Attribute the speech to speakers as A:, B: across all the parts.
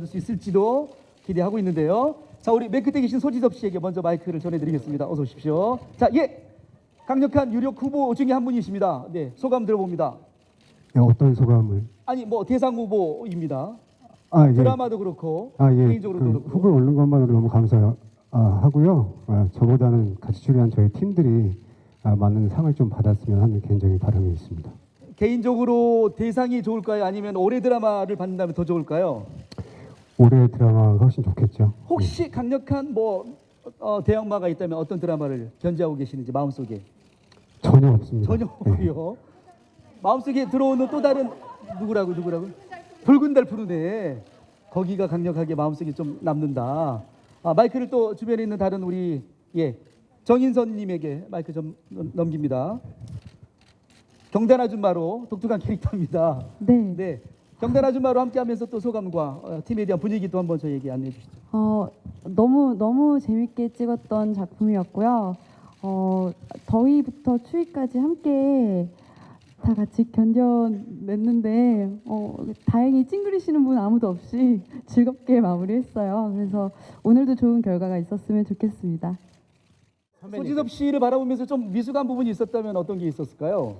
A: 받을 수 있을지도 기대하고 있는데요. 자, 우리 맨 끝에 계신 소지섭 씨에게 먼저 마이크를 전해드리겠습니다. 어서 오십시오. 자, 예, 강력한 유력 후보 중에 한 분이십니다. 네, 소감 들어봅니다.
B: 네, 어떤 소감을?
A: 아니 뭐 대상 후보입니다.
B: 예.
A: 드라마도 그렇고
B: 예.
A: 개인적으로도 그렇고.
B: 후보에 오른 것만으로 너무 감사하고요. 저보다는 같이 출연한 저희 팀들이 많은 상을 좀 받았으면 하는 개인적인 바람이 있습니다.
A: 개인적으로 대상이 좋을까요? 아니면 올해 드라마를 받는다면 더 좋을까요?
B: 올해 드라마가 훨씬 좋겠죠.
A: 혹시 강력한 뭐 대항마가 있다면 어떤 드라마를 견제하고 계시는지 마음속에?
B: 전혀 없습니다.
A: 전혀
B: 네.
A: 없고요. 마음속에 들어오는 또 다른 누구라고? 붉은 달 푸른 애. 거기가 강력하게 마음속에 좀 남는다. 마이크를 또 주변에 있는 다른 우리 정인선님에게 마이크 좀 넘깁니다. 경단 아줌마로 독특한 캐릭터입니다.
C: 네.
A: 네. 경단 아줌마로 함께하면서 또 소감과 팀에 대한 분위기도 한번 저희에게 안내해 주시죠.
C: 너무 재밌게 찍었던 작품이었고요. 더위부터 추위까지 함께 다 같이 견뎌냈는데 다행히 찡그리시는 분 아무도 없이 즐겁게 마무리했어요. 그래서 오늘도 좋은 결과가 있었으면 좋겠습니다.
A: 소지섭 씨를 바라보면서 좀 미숙한 부분이 있었다면 어떤 게 있었을까요?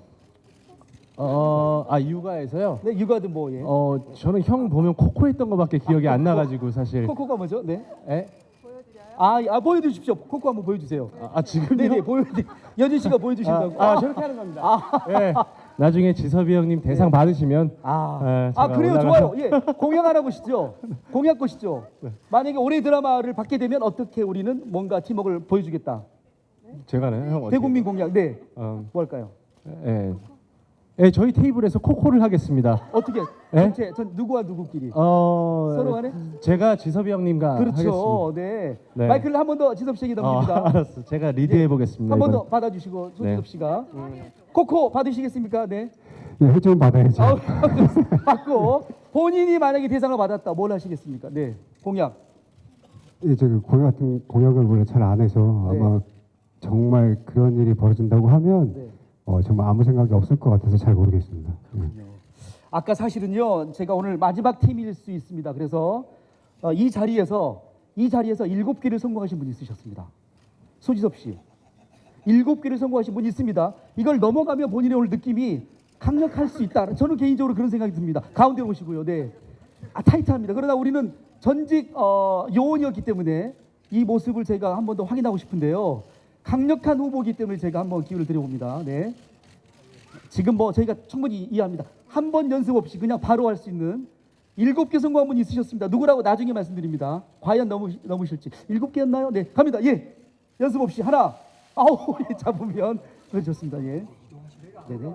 D: 육아에서요?
A: 네, 육아든 뭐 예.
D: 저는 형 보면 코코 했던 거밖에 기억이 안 나가지고 사실.
A: 코코가 뭐죠? 네.
D: 에?
A: 보여주십시오. 코코 한번 보여주세요.
D: 지금요?
A: 네네, 여진 씨가 보여주신다고.
D: 저렇게 하는 겁니다. 예. 나중에 지섭이 형님 대상 받으시면 제가
A: 그래요,
D: 올라가서-
A: 좋아요. 예, 공약 하나 보시죠. 공약 보시죠. 만약에 올해 드라마를 받게 되면 어떻게 우리는 뭔가 팀워크를 보여주겠다.
D: 제가요? 형 어떻게?
A: 대국민 공약. 네.
D: 어,
A: 뭐 할까요?
D: 예, 저희 테이블에서 코코를 하겠습니다.
A: 어떻게?
D: 예?
A: 전 누구와 누구끼리? 서로 간에?
D: 제가 지섭이 형님과
A: 그렇죠.
D: 하겠습니다.
A: 네.
D: 네.
A: 마이크를 한 번 더 지섭 씨에게 넘깁니다.
D: 알았어. 제가 리드해 보겠습니다.
A: 한 번 더
D: 이번.
A: 받아주시고 소지섭
D: 네.
A: 씨가 코코 받으시겠습니까? 네.
B: 네, 좀 받아야죠.
A: 받고 본인이 만약에 대상을 받았다, 뭘 하시겠습니까? 네. 공약.
B: 제가 공약을 원래 잘 안 해서
A: 네.
B: 아마 정말 그런 일이 벌어진다고 하면
A: 네.
B: 정말 아무 생각이 없을 것 같아서 잘 모르겠습니다.
A: 아까 사실은요, 제가 오늘 마지막 팀일 수 있습니다. 그래서 이 자리에서 7개를 성공하신 분이 있으셨습니다. 소지섭 씨. 7개를 성공하신 분이 있습니다. 이걸 넘어가면 본인의 오늘 느낌이 강력할 수 있다. 저는 개인적으로 그런 생각이 듭니다. 가운데 오시고요. 네. 타이트합니다. 그러나 우리는 전직 요원이었기 때문에 이 모습을 제가 한 번 더 확인하고 싶은데요. 강력한 후보이기 때문에 제가 한번 기회를 드려봅니다. 네. 지금 뭐 저희가 충분히 이해합니다. 한 번 연습 없이 그냥 바로 할 수 있는 7개 성공한 분이 있으셨습니다. 누구라고 나중에 말씀드립니다. 과연 넘으실지. 7개였나요? 네, 갑니다. 예, 연습 없이 하나, 잡으면 좋습니다. 예, 네네.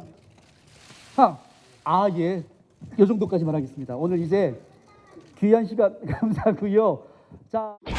A: 예, 이 정도까지만 하겠습니다. 오늘 이제 귀한 시간 감사하고요. 자.